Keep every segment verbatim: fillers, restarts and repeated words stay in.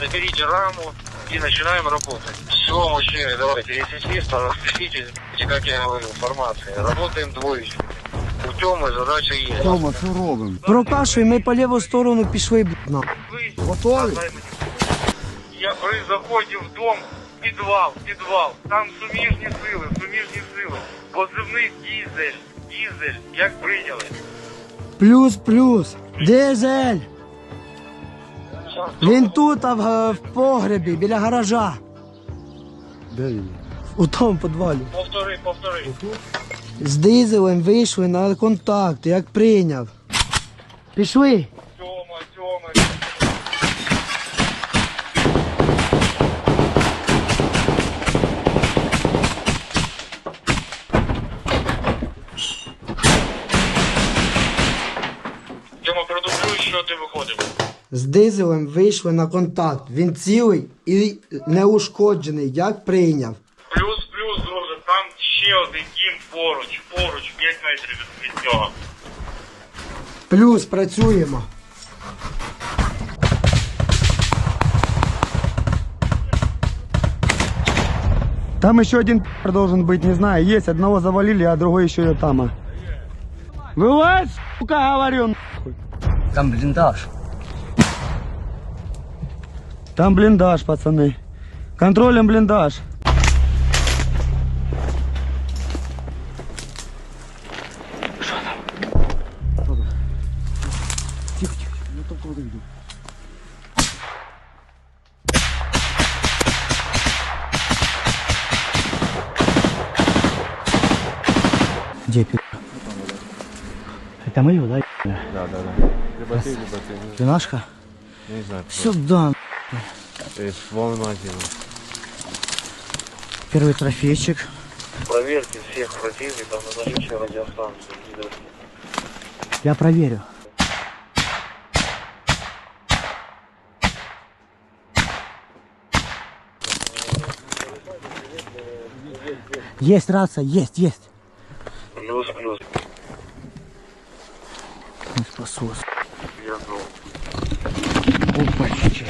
Заберите раму и начинаем работать. Все, мужчины, давайте, если чисто, распишитесь, как я говорю, информации. Работаем двоечками. У Тёмы задача є. Тьома, що робимо? Прокашуй, ми по ліву сторону пішли, блядь. Готові? Я при заході в дом, підвал, підвал. Там суміжні сили, суміжні сили. Позивний дізель, дізель, як прийняли. Плюс, плюс. Дизель. Він тут, а в, в погребі, біля гаража. Де він? У тому підвалі. Повтори, повтори. З дизелем вийшли на контакт, як прийняв. Пішли. Тьома, Тьома. Тьома, продублюй, що ти виходив. З дизелем вийшли на контакт. Він цілий і неушкоджений, як прийняв. Плюс, плюс, друже, там ще один дім поруч, поруч, п'ять метрів від, від нього. Плюс, працюємо. Там еще один должен быть, не знаю, есть. Одного завалили, а другой еще и там. Вылазь, сука, говорю, нахуй. Там бліндаж. Там блиндаж, пацаны. Контролем блиндаж. Тихо, тихо, я только вот иду. Где пи***? Это мы его, да? Да, да, да. Либо ты, либо ты. Не, Пинашка? не знаю. Сюда. То есть волны магазина. Первый трофейчик. Проверьте всех противников на наличие радиостанции. Я проверю. Есть рация, есть, есть. Плюс, плюс. Не спасусь. Я знал. Опачки.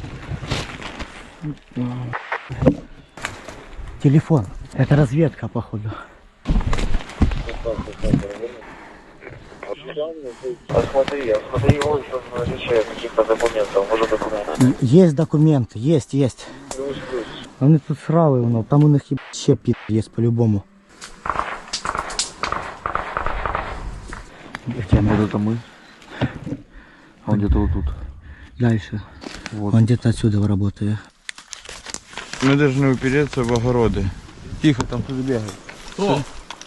Телефон. Это разведка, походу. Посмотри, осмотри его еще на наличие каких-то документов. Может документы. Есть документы, есть, есть. Плюс, плюс. Вони тут срали, воно, там у них ще пі есть по-любому. Где Вот это мы. Он где-то вот тут. Дальше. Вот. Он где-то отсюда работает. Мы должны упереться в огороды. Тихо, там кто-то бегает. Кто?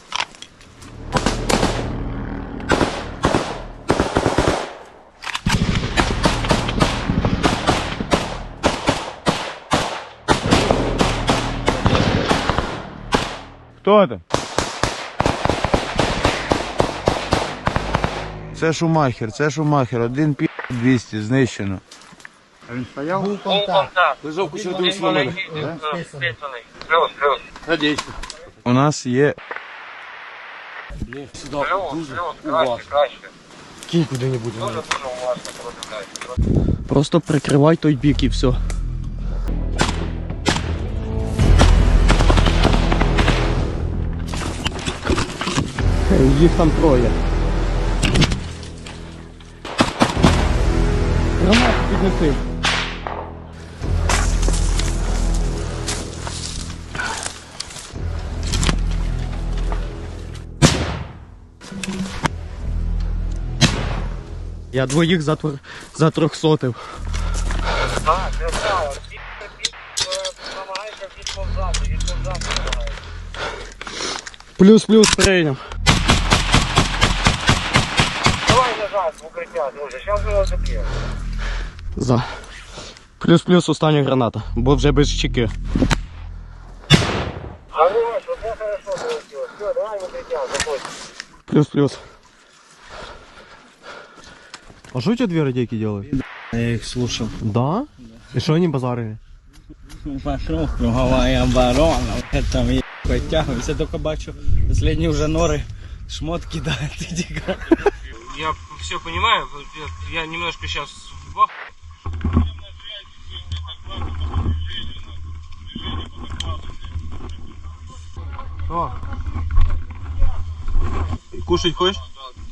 Кто это? Це Шумахер, це Шумахер. Один пі двісті, знищено. А він стояв? Був контакт. Лежав кучу Він сломаний. Плюс, плюс. Надіюсь. У нас є... Плюс, плюс, краще, краще. Кинь куди-небудь. Дуже, дуже уважно продивляйся. Просто прикривай той бік і все. Їх там троє. Гранату піднеси. Я двоїх затр... затрьохсотив. Так, це право. Намагається відповзати, відповзати намагається. Плюс-плюс прийняв. Давай лежать в укриття, друже, зараз ми його заб'ємо. За. Плюс-плюс остання граната, бо вже без чеки. Хорош, оце хорошо полетіло. Все, давай в укриття, заходь. Плюс-плюс. А что у тебя две радейки делают? Я их слушал. Да? И что они базарили? Пошел круговая оборона, это я подтягиваюсь, я только бачу, последние уже норы, шмот кидает, иди. Я все понимаю, я немножко сейчас в Що? Кушать хочеш?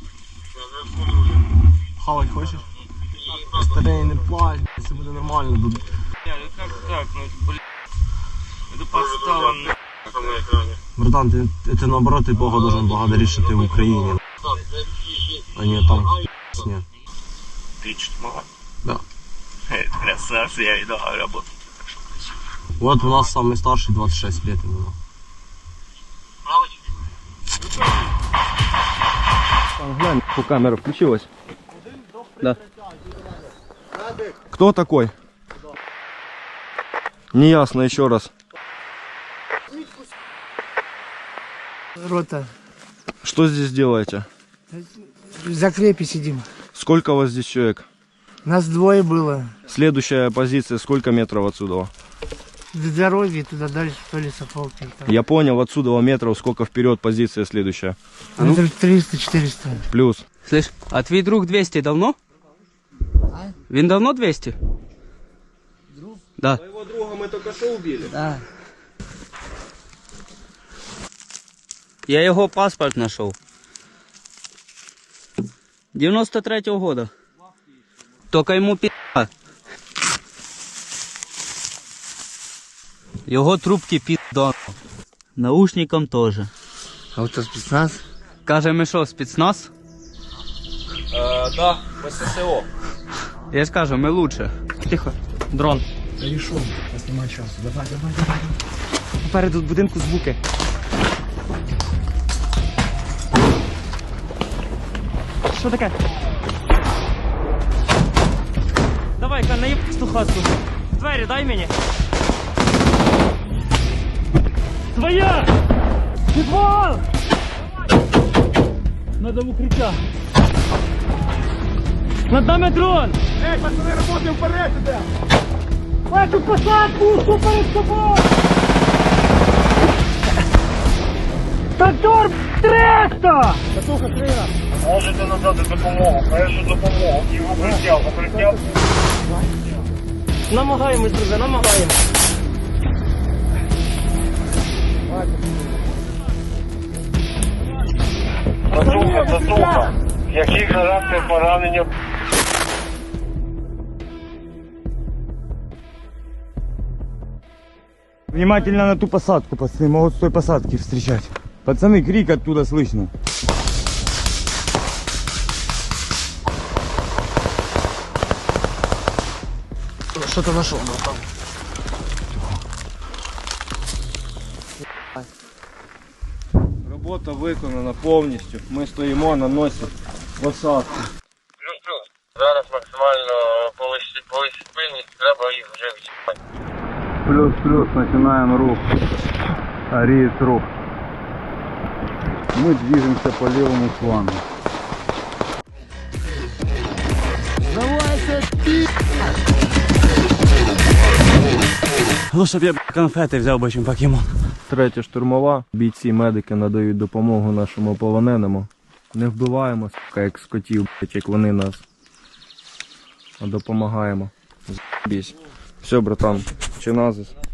Хавать хочеш? Старий, не плач, все буде нормально. Не, ну как так, ну блин. Это подстава, на. Братан, ти, ти наоборот, ти Бога должен благодарить, що ти в Україні. А не там. Ні. Ты что, мало? Да. Красавцы, я иду работать. Вот у нас самый старший двадцать шесть лет ему. Глянь, по камера включилась. Да. Кто такой? Неясно, еще раз. Рота. Что здесь делаете? В закрепе сидим. Сколько у вас здесь человек? Нас двое было. Следующая позиция, сколько метров отсюда? До дороги туда дальше, то ли Софолки. Я понял, отсюда метров, сколько вперед позиция следующая? Метров триста-четыреста. Плюс. Слышь, а твій друг двести давно? Він давно двести? Друг? Да. Твоего друга мы только что убили. Да. Я його паспорт знайшов. девяносто третьего года. Только йому пи***а. Його трубки пи***до. Наушникам теж. А от це спецназ? Каже, ми що, спецназ? Э, да, в ССО. Я ж кажу, ми лучше. Тихо. Дрон. Попереду будинку звуки. Що таке? Давай-ка, наїб ту хатку. Двері дай мені. Твоя! Підвал! Надо в укриття. Над нами дрон! Эй, пацаны, работаем вперед сюда! Эту посадку, что перед тобой! Трактор триста! Катуха, Крина! Можете надати допомогу, першу допомогу. І в укриття, в укриття. Намагаємось, друзі, намагаємось. Засуха, засуха. Який характер поранення? Внимательно на ту посадку, пацаны, могут с той посадки встречать. Пацаны, крик оттуда слышно. Что-то нашел, братан. Робота виконана повністю. Ми стоїмо на носі посадки. Плюс-плюс. Зараз максимально повисить пильність, треба їх вже відчіпати. Плюс-плюс, начинаем рух. Ариет рух. Мы движемся по левому флангу. Лучше б я конфети взяв би, чим покемон. Третя штурмова. Бійці, медики надають допомогу нашому полоненому. Не вбиваємо, сука, як скотів, блять, як вони нас. А допомагаємо. З***бісь. Все, братан, чиназис.